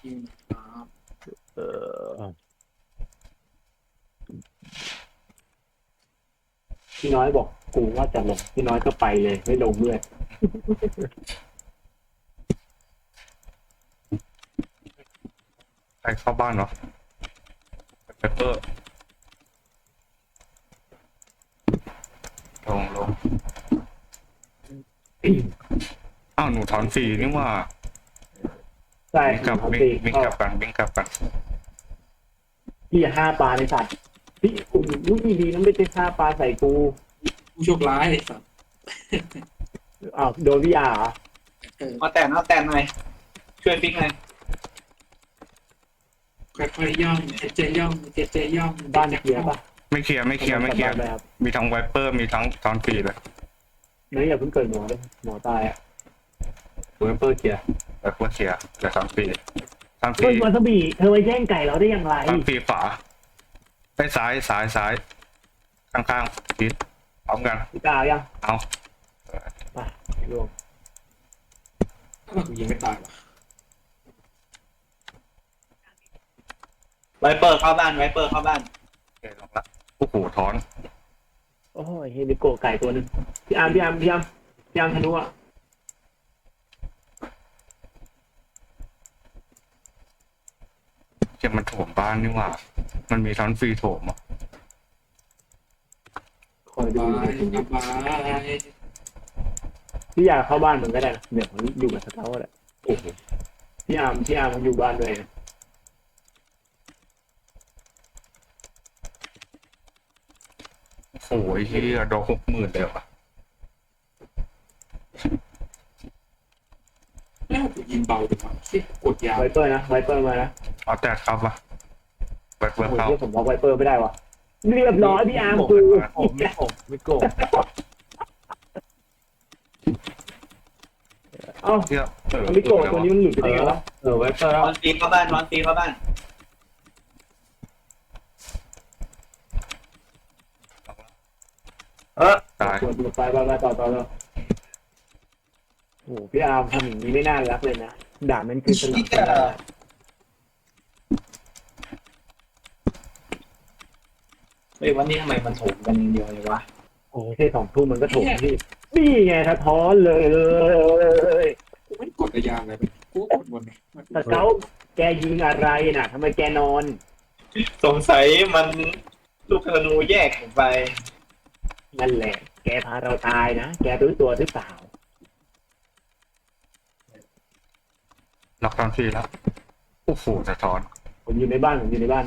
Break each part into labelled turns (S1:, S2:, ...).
S1: อืมครับ
S2: เออพี่น้อยบอกกูว่าจะลงพี่น้อยก็ไปเลยไม่ลงด้วย
S3: ใครเข้าบ้านเนาะเปเปอร์ลงอ้าวหนูถอนฟรีนี่ว่า
S2: ใช่
S3: วิ่งกลับ
S2: ครับ
S3: วิ่งวิ่งกลับกันวิ่งกลับกัน
S2: พี่อย่าห้าปลาในสัตว์พี่อุ้ยดีนะไม่ใช่ห้าปลาใส่กู
S1: ผู้โชคร้ายไอ้สัตว์
S2: อ้าวโดนพี่อาเหรอ
S4: เอาแต่หน่อยช่วยฟิกหน่อย
S1: ค่อยๆย่องเจย่องเจย่อง
S2: บ้านเคลียร์ปะ
S3: ไม่เคลียร์ไม่เคลียร์ไม่เคลียร์
S2: บ้านครับ
S3: มีทั้งไวเปอร์มีทั้งถอนฟรีเลย
S2: น้อยอย่าเพิ่งเกิดหมอเลยหมอตายอ่ะ
S3: ไวเปอร์เคลียร์ไวเปอร์เคลียร์แต่ถอนฟรีถอนฟ
S2: เฮ้
S3: รี
S2: ยวาซาบิเธอไปแย่งไก่เราได้อย่างไร
S3: ถอนฟรีขวาไปซ้ายข้างๆทิศพร้อมกัน
S2: พี่กายัง
S3: เอา
S2: ไปลง
S1: ถ้าเรายิงไม่ตายว่ะ
S4: ไวเปอร์เข้าบ้านไวเปอร์เข้าบ้าน
S3: โอเคลงละโอ้โหถอน
S2: โอ้ยเฮมิโกะไก่ตัวหนึงพี่อาร์มธนูอ่ะ
S3: เก็บมันโถมบ้านนี่หว่า มันมีถอนฟรีโถมอ่ะ
S2: คอยดู
S1: บาย
S2: พี่อยากเข้าบ้านเหมือนก็ได้นะเดี๋ยวผมอยู่กับสเกาต์แหละ
S3: โอ้โห
S2: พี่อาร์มมันอยู่บ้านด้วยนะ
S3: โอ้โหไอ้เฮียดอก60,000เลยว่ะ
S1: แล้วกูยิงเบาจังวะเชี่ยกดยาว
S2: ไวเปอร์นะไวเปอร์มานะ
S3: เอาแต่ครับวะไวเปอ
S2: โอ้
S3: ร์
S2: โห
S3: เข้า
S2: ที่ผมบอกไวเปอร์ไม่ได้วะเรียบร้อยพี่อาร์มกู
S5: ไม่โกง
S2: เอ้า
S3: เฮีย
S2: มิโกะตัวนี้มันหลุดไปได้ไงวะ
S5: ไว้เปิด
S4: นอนฟีเข้าบ้านนอนฟีเข้าบ้าน
S3: ตาย
S2: ตัวไปต่อเลยโอ้โหพี่อาร์มทำอย่างนี้ไม่น่ารักเลยนะด่ามันคือสนับสนุน
S4: เฮ้ยวันนี้ทำไมมันโถมกันเดียวเลยวะ
S2: โอ้โหแค่2 ทุ่มมันก็โถมพี่นี่ไงสะท้อนเลย
S1: กูไม่กดระยางเลยกูกดบนเนี่ย
S2: สเกาต์แกยิงอะไรน่ะทำไมแกนอน
S4: สงสัยมันลูกธนูแยกผมไป
S2: นั่นแหละ แกพาเราตายนะ แกรู้ตัวหรือเปล่า
S3: ล็อกถอนฟรีแล้วโอ้โหสะท้อน
S2: ผมอยู่ในบ้าน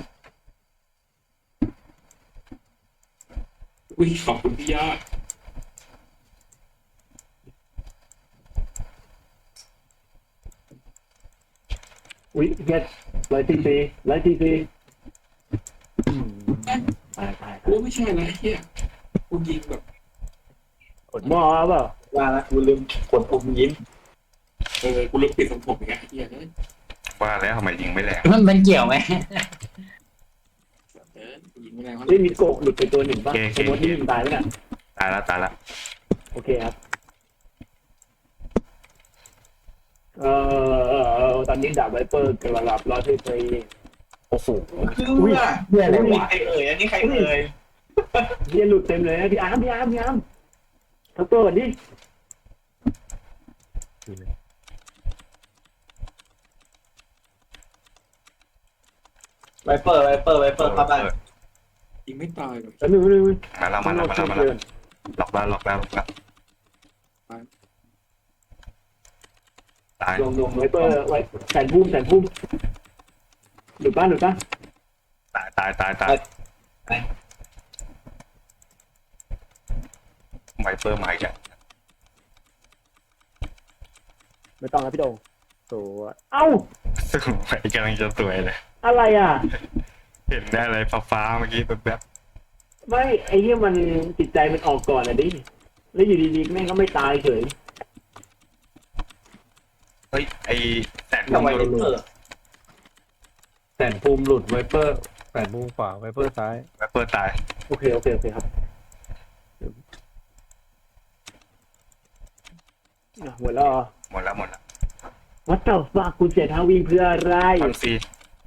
S1: อุ้ยขอบคุณพี่ยอด
S2: อุ๊ยเฮ็ด100 ccตาย
S1: กูไม่ใช่อะไรเฮียกูยิงแบบ
S2: กดหม้อเปล่า
S4: ว่าละกูลืมกดปุ่มยิ้ม
S1: กูลืมปิดทรงผมอย่างเงี้ยเฮียเลย
S3: ว่าแล้วทำไมยิงไม่แรง
S6: มันเกี่ยวไหม
S1: กูยิงไม่แรงเท่าไห
S2: เฮ้
S1: ร่
S2: ยมีโกะหลุดไปตัวหนึ่งป่ะสมมติที่ยิงตายแล้วน่ะ
S3: ตายแล้ว
S2: โอเคครับตอนนี้ดาบไวเปอร์กำลังหลับรอที่ไป
S3: โอ้โห
S4: คือว่า
S6: เพื่ออะไร
S4: อันนี้
S6: วะ
S4: ใครเอ่ยอันนี้ใครเอ่ย
S2: เฮียหลุดเต็มเลยนะพี่อาร์มทั้งตัวก่อนดิ
S4: ไวเปอร์เข้าบ้าน
S1: ยิงไม่ตายแบบ
S2: แล้วนึง
S3: มาแล้วล็อกแล้วตาย
S2: ลงไวเปอร์ไว้แสนพุ่มหลุดป่ะ
S3: ตายไวเปอร์มาอีกแล้ว
S2: ไม่ต้องนะพี่โดงตัวเอ้า
S3: ซึ่งไปกำลังจะสวยเลย
S2: อะไรอ่ะ
S3: เห็นได้อะไรฟ้าเมื่อกี้แบบ
S2: ไม่ไอ้เนี่ยมันจิตใจมันออกก่อนอ่ะดิแล้วอยู่ดีๆแม่งก็ไม่ตายเฉย
S3: เฮ้ยไอแสน
S4: ทำไม
S3: โด
S4: ไวน เปอร์
S5: แสนภูมิหลุดไวเปอร์แสนภูมิขวาไวเปอร์ซ้าย
S3: ไวเปอร์ตาย
S2: โอเคครับหมดแล้ว
S3: หมดแล้ว
S2: What the fuck คุณเสียท่าวิ่งเพื่ออะไร
S3: ตอนฟรี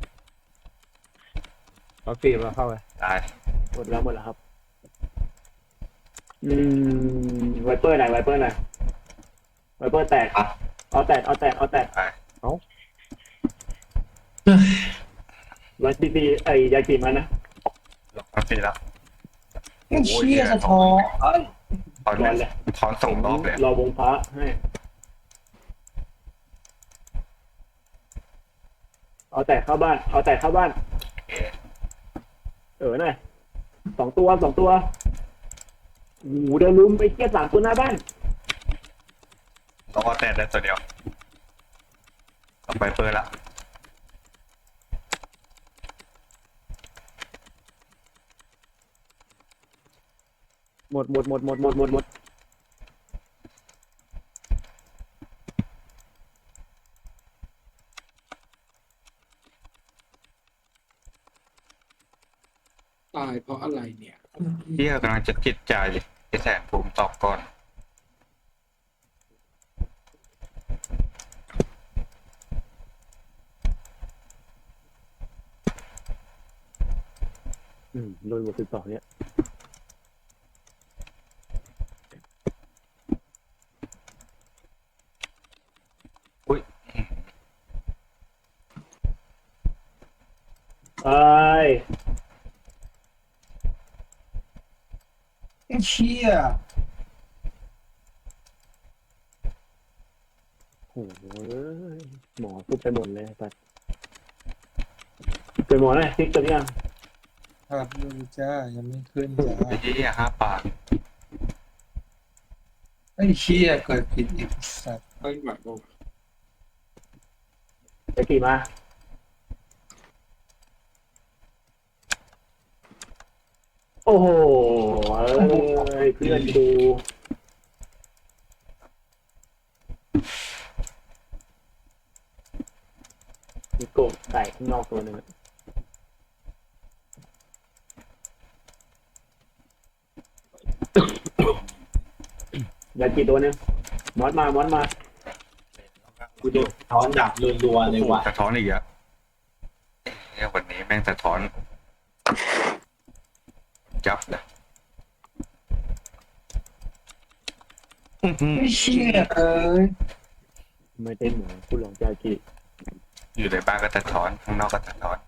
S5: เอาฟิล์มมาเข้าไป
S3: ตาย
S2: หมดแล้วครับไวเปอร์ไหนไวเปอร์ไหนไวเปอร์แตก
S4: อ่ะ
S2: เอาแตก
S3: ตาย
S2: ร้อยซีซียากิมันนะ
S3: ลงตอนฟรีแล้ว
S6: ไอ้เชี่ยสะท้อนเอ้ย
S3: ถอน
S2: ร้อนเลย
S3: ถอนส่งรอบเลย
S2: รอวงพระให้เอาแตกเข้าบ้าน
S3: โอเค
S2: หน่อยสองตัวโอ้โหเดินลุมไปเกี้ยสามตัวหน้าบ้าน
S3: ต้องเอาแต่ได้ตัวเดียวเอาไปเปิดละ
S2: หมด
S1: ตายเพราะอะไรเนี่ย
S3: เที่ยกำลังจะคิดใจไอ้แสนภูมิตอบก่อน
S2: โดนหมด12เนี่ยไอ้
S6: ไอ้เชี่ย
S2: โอ้โหหมอพูดไปหมดเลยปัดเป็นหมอหน่อยติ๊กตัวนี้ยัง
S6: ครับดูจ้ายังไม่ขึ้นจ้า
S3: ไอ้เหี้ย5 ปาก
S6: ไอ้เชี่ยเกิดผิดอีกสัตว์
S1: เอ้ยไหวบ่
S2: จะกี่มาโอ้โหเพื่อนดูมีโกบใส่ข้างนอกตัวหนึ่งอย่ากี่ตัวหนึงมอสมา
S4: กูโดนท้อนดับรัวๆเลยว่ะ
S3: สะท้อนอีกอะเนี่ยวันนี้แม่งสะท้อนจับเลย
S6: ไอ้เชี่ยเอ้ย
S2: ไม่ได้หมูคุณหลงจากกี่
S3: อยู่ในบ้านก็สะท้อนข้างนอกก็สะท้อน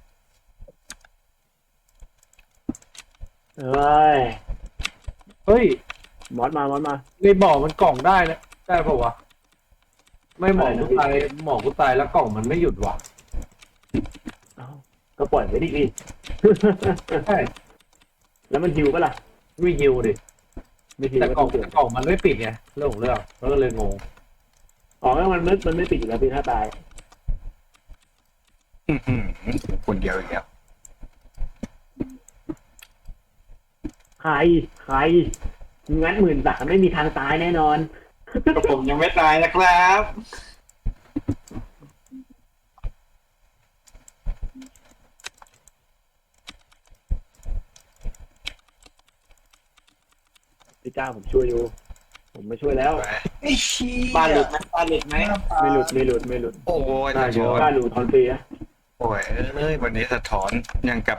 S2: เอ้ย
S5: เฮ้ย
S2: มอสมา
S5: ในบ่อมันกล่องได้นะได้ป่าวะไม่หมอกกูตายหมอกกูตายแล้วกล่องมันไม่หยุดว่ะ
S2: เอ้าก็ปล่อยไปดิพี่
S5: ใช่
S2: แล้วมันฮิวปะล่ะ
S5: ไม่ยิวดิ
S2: ไม่ฮิว
S5: แต่
S2: ก็
S5: กล่
S2: ต้
S5: อ
S2: อง งเกิด
S5: กล่องมันไม่ปิดไงเรื่องของเรื่องแล้วก็เลยงง
S2: อ๋อมันไม่ปิดอยู่แล้วพี่ถ้าตาย
S3: คนเดียวอีกแล้ว
S2: ใครงั้น13,000ไม่มีทางตายแน่นอน
S4: ก็ผมยังไม่ตายนะครับ
S2: พี่ก้าผมช่วยอยู่ ผมไม่ช่วยแล้ว
S6: ไอ้เชี่ย
S4: บ้านหลุดไหมบ้านหลุดไหม
S2: ไม่หลุด
S3: โอ้ยสะท้อน
S2: กล้าหลุดทอนฟรีนะ
S3: โอ้ยเอ้ยวันนี้สะท้อนยังกับ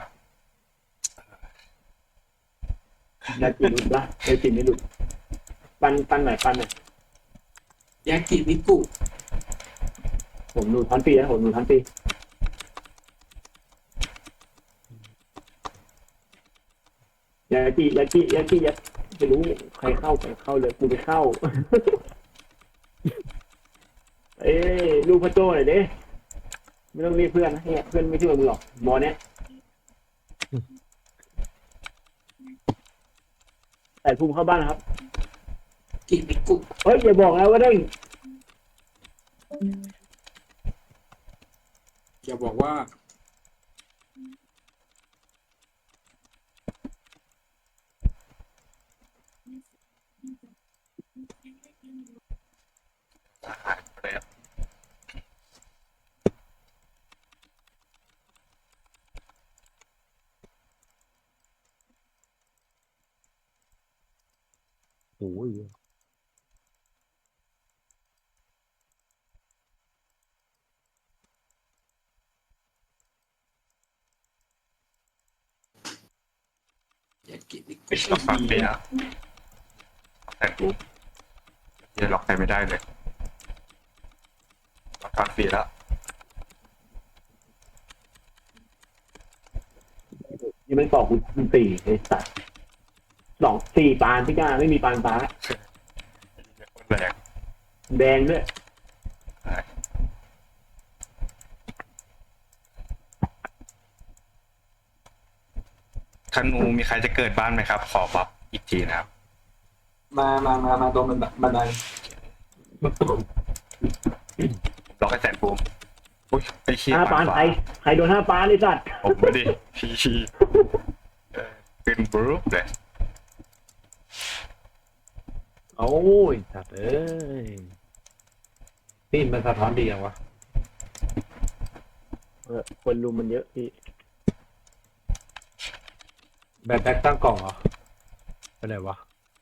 S2: ยากิหลุดปะยากิไม่หลุดปันหน่อย
S1: ยากิมิกุ
S2: ผมหลุดทอนฟรีนะผมหลุดทอนฟรียากิไม่รู้ใครเข้าเลยกูไปเข้า เอ้ยลูกพระโจ้หน่อยดิไม่ต้องเรียกเพื่อนนะเนี่ยเพื่อนไม่ช่วยมึงหรอกหมอเนี้ยแต่ภูมิเข้าบ้านนะครับ
S1: กิมิกุ
S2: เฮ้ยอย่าบอกนะว่าเด้ง
S1: อย่าบอกว่า
S3: หายไปแล้ว
S5: โอ้ย
S3: ล็อกฟังเปียแต่กูยังล็อกใครไม่ได้เลยล็อกฟังเปียแล้ว
S2: นี่มันบอกคุณสี่ไอ้สัตว์สี่ปานพี่ก้าไม่มีปานฟ้า
S3: แรง
S2: แดงด้วย
S3: ธนูมีใครจะเกิดบ้านไหมครับ ขอบัฟอีกทีนะครับ
S4: มาตรงบันได
S3: ล็อกให้แสนภูมิอุ้ยไอ้เชี่ย
S2: 5 ปานใครโดน5 ปานไอ้สัตว์
S3: ผมไม่ดิชีขึ้นบรูปเลย
S5: โอ้ยสัตว์เอ้ยนี่มันสะท้อนดีอย่างวะ
S2: คนรุมมันเยอะพี่
S5: แบ็คตั้งกล่องเหรอไปไหนวะ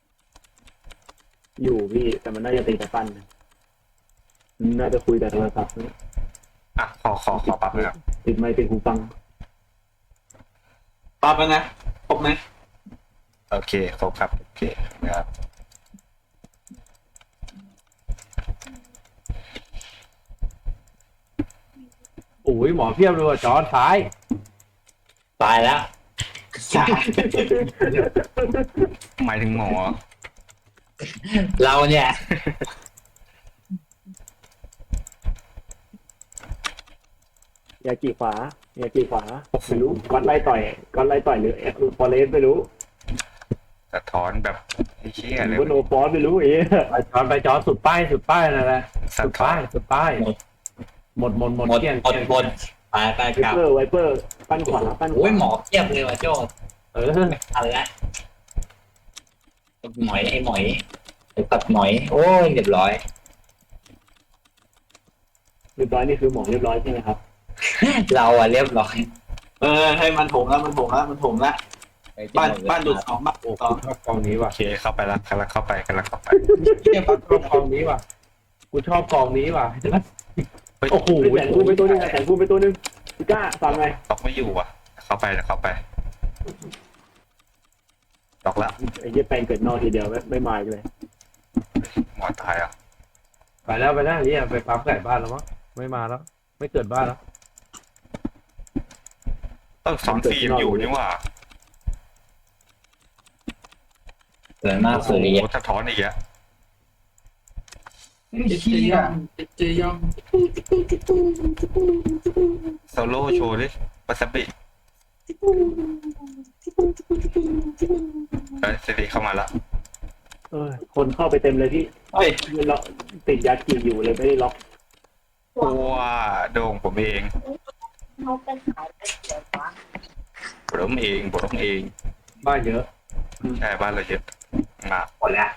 S2: อยู่พี่แต่มันน่าจะตีแต่ปั้นนะน่าจะคุยแต่โทรศัพท์นะ
S3: อ่ะขอปรับเลยครับ
S2: ติดไมค์ติดหูฟัง
S4: ปั๊บแล้วนะครบไหม
S3: โอเคครบครับโอเคนะครับ
S5: โอ้ยหมอเพียบเลยว่ะจอนซ้าย
S7: ตายแล้ว
S3: หมายถึงหมอ
S7: เราเนี่ย
S2: ยากี่ขวไม่รู้ก้อนไล่ต่อยหรือฟอเรสไม่รู้
S3: สะท้อนแบบไอ้เชี่ย
S2: ห
S3: เล
S2: รื
S3: ย
S2: อว่าโนฟอสไม่รู้เอ๊ะ
S5: ไปจอนสุดป้ายนั่นแหละ
S3: สะ
S5: สุด
S3: ท้อ
S5: ป้าน ยหมด
S7: หมด
S5: เกลี้ยง
S7: หมดไป
S2: ไว
S7: กลับ
S2: ไวเปอร์ปั้นขวาปั้นข
S7: โอ้
S2: วาย
S7: หมอเทียบเลยว่ะโจ้
S5: เออ
S7: ทันละหมอยไอ้หมอยไอ้ตัดหมอย โอ้ยเรียบร้อย
S2: เรียบร้อยนี่คือหมอเรียบร้อยใช่ไหมครับ
S7: เราอะเรียบร้อย
S4: ให้มันโถมแล้วบ้านดูด2 บ้าน
S5: โอ้
S4: ต่อ
S5: กูชอบกองนี้ว่ะ
S3: โอเคเข้าไปแล้วกำลังเข้าไป
S5: เทียบชอบกองนี้ว่ะกูชอบกองนี้ว่ะโอ้โห
S2: แสนพูไปตัวนึงพี่ก้าฟังไง
S3: ล็อกไม่อยู่อ่ะเข้าไปล็อกแล้ว
S2: ไอ้เหี้ยแปลงเกิดนอกทีเดียวไม่มาเลย
S3: หมอตายอ่ะ
S5: ไปแล้วเนี่ยไปปั๊มไก่บ้านแล้วมั้งไม่มาแล้ว ไม่เกิดบ้านแล้ว
S3: สอนฟิล์มอยู่นี่ว่า
S7: เสือหน้าสุริยะ
S3: โอ้สะท้อนอีกอ่ะ
S6: ไอ้เชี่ย
S1: เจยอง
S3: โซโล่โชว์ดิวาซาบิเฮ้ยสิริเข้ามาละ
S2: คนเข้าไปเต็มเลยพี่
S4: เฮ้ย
S2: ล็อกติดยากีอยู่เลยไม่ได้ล็อก
S3: ว่าโด่งผมเองผมเอง
S5: บ้านเยอะ
S3: ใช่บ้านเราเยอะมา
S7: หมดแล้ว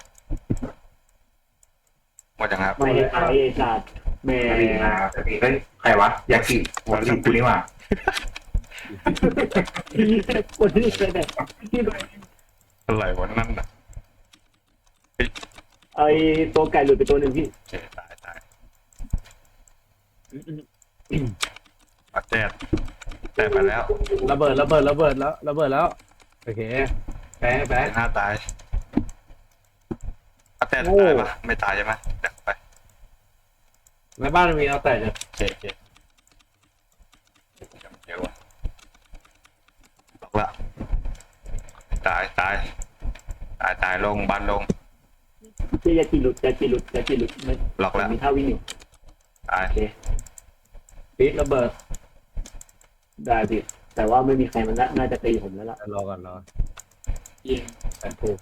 S3: หมดยังครับ
S2: ไม่ได้ขายไอ้สัตว์แม่
S7: ใครวะยากิวากิกูนี่ว่ะ
S2: คนที่เป็นที่
S3: อะไรวะนั่นน่ะ
S2: ไอ้ตัวไก่หลุดไปตัวหนึ่งพี่
S3: โอเคตายเอาแต่ไปแล้ว
S5: ระเบิดแล้วโอเคแป๊ะ
S3: หน้าตายเอาแต่ตายปะไม่ตายใช่ไหมเดี๋ยวไป
S5: ในบ้านมีเอาแต่เนี่ย
S3: โอเคเดี๋ยววะบอกละตายลงบ้านลง
S2: ที่ยากีหลุดมัน
S3: ล็อกแล้ว
S2: มีท่าวิ่งอยู่
S3: ตาย
S5: ปีดระเบิด
S2: ได้พี่แต่ว่าไม่มีใครมันน่าจะตีผมแล้วล่ะ
S5: รอก่อน
S1: เยี่ยม
S5: แปดถูก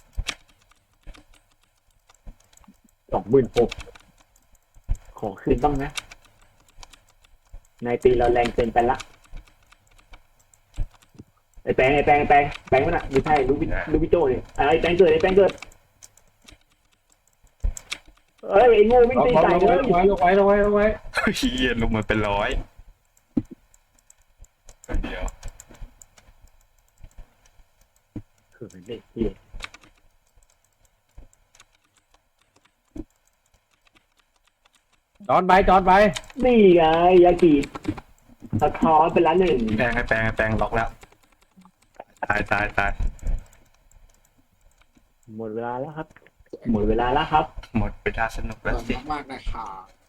S2: 26,000ขอคืนบ้างนะนายตีเราแรงเกินไปละไอ้แปงมันอ่ะไม่ใช่ลูกพี่โจ้เนี่ยไอ้แปงเกิดเอ้ยไอ้โง่วิ่งตีไก่เลย
S5: ลงไว้
S3: เฮียลงมาเป็นร้อยเดียว
S2: คือเด็กเหี้ย
S5: จอนไป
S2: นี่ไงยากีสะท้อนเป็นละ1
S3: แปลงล็อกแล้วตาย
S2: หมดเวลาแล้วครับ หมดเวลาแล้วครับ
S3: หมดเวลาสนุก
S1: ข
S3: แล้ว
S1: อบ
S3: สิ
S1: คุณมากๆนะครับ